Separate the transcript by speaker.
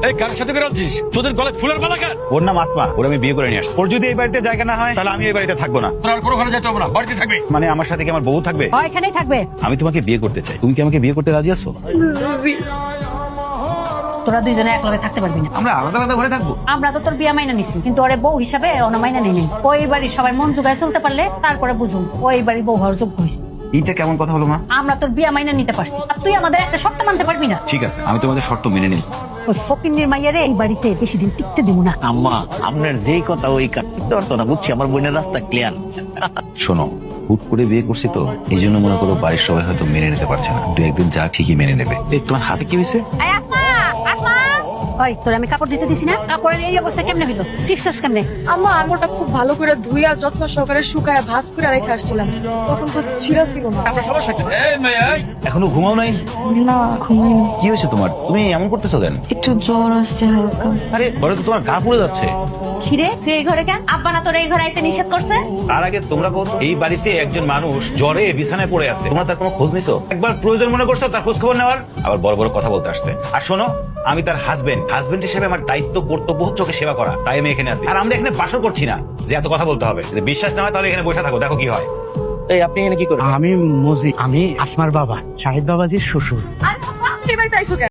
Speaker 1: এই কার সাথে বেরোচ্ছিস? তোদের গলায় ফুলের মালা কেন?
Speaker 2: ওর নাম আসমা, ওর আমি বিয়ে করে নিয়ে আসছি। ওর যদি এই বাড়িতে জায়গা না হয় তাহলে আমি এই বাড়িতে থাকবো না।
Speaker 1: তোর আর কোনো ঘরে যেতে হবে না, বাড়িতে থাকবে।
Speaker 2: মানে আমার সাথে কি আমার বউ থাকবে?
Speaker 3: এখানেই থাকবে।
Speaker 2: আমি তোমাকে বিয়ে করতে চাই, তুমি কি আমাকে বিয়ে করতে রাজি আছো?
Speaker 3: তোরা দুইজনে একলগে থাকতে পারবি না।
Speaker 2: আমরা আলাদা আলাদা ঘরে থাকবো।
Speaker 3: আমরা তো তোর বিয়া মাইনা নিছি, কিন্তু ওরে বউ হিসাবে অন্য মাইনা নেই নাই। ওই বাড়ির সবাই মন জোগায় চলতে পারলে তারপরে বুঝুন ওই বাড়ির বউ হওয়ার যোগ্য হয়েছে।
Speaker 2: এইটা কেমন কথা হলো মা?
Speaker 3: আমরা তোর বিয়া মাইনা নিতে পারছি, আর তুই আমাদের একটা শর্ত মানতে পারবি না।
Speaker 2: ঠিক আছে, আমি তোমাদের শর্ত মেনে নিই।
Speaker 3: ওই ফকিন্নির মাইয়ারে এই বাড়িতে বেশি দিন টিকতে দিব না।
Speaker 4: আম্মা, আপনার যেই কথা ওই করতে পারতো না, বুঝছি। আমার বোনের রাস্তা ক্লিয়ার।
Speaker 2: শোনো, হুট করে বিয়ে করছি তো এই জন্য মনে করো বাড়ির সবাই হয়তো মেনে নিতে পারছে না। দু একদিন যা ঠিকই মেনে নেবে। এই তোমার হাতে কি হয়েছে?
Speaker 3: ওই তোর আমি কাপড় দিতে দিছি না, কাপড়ের এই অবস্থা কেমনে হইলো? সিক্সস কেমনে?
Speaker 5: আম্মা, আমি ওটা খুব ভালো করে ধুইয়া যত্ন সহকারে শুকায় ভাঁজ করে রেখে আসছিলাম, তখন তো ছিঁড়া ছিল না।
Speaker 1: আপনার সমস্যা কি? এই মেয়ে, এই।
Speaker 2: এখনো ঘুমাও নাই?
Speaker 5: না, ঘুমাইনি।
Speaker 2: কি হয়েছে তোমার? তুমি এমন করতেছো কেন?
Speaker 5: একটু জ্বর আসছে হালকা।
Speaker 2: আরে ঘরে তো তোমার গা পুড়ে যাচ্ছে।
Speaker 3: খিরে তুই এই ঘরে কেন? আব্বা না তোর এই ঘরে আইতে নিষেধ করছে?
Speaker 2: তার আগে তোমরা কত এই বাড়িতে একজন মানুষ জ্বরে বিছানায় পড়ে আছে, তোমরা তার কোনো খোঁজ নিছো? একবার প্রয়োজন মনে করছো তার খোঁজ খবর নেওয়ার? আবার বড় বড় কথা বলতে আসছে। আর শোনো, আমি তার হাজবেন্ড হিসেবে আমার দায়িত্ব কর্তব্য হচ্ছে ওকে সেবা করা, তাই আমি এখানে আছি। আর আমরা এখানে বাসর করছি না যে এত কথা বলতে হবে। যদি বিশ্বাস না হয় তাহলে এখানে বসে থাকো, দেখো কি হয়।
Speaker 4: এই আপনি এখানে কি করেন?
Speaker 6: আমি মজি, আমি আসমার বাবা, শাহিদ বাবাজির শ্বশুর।
Speaker 5: আর বাবা, এবার চাইছো কেন?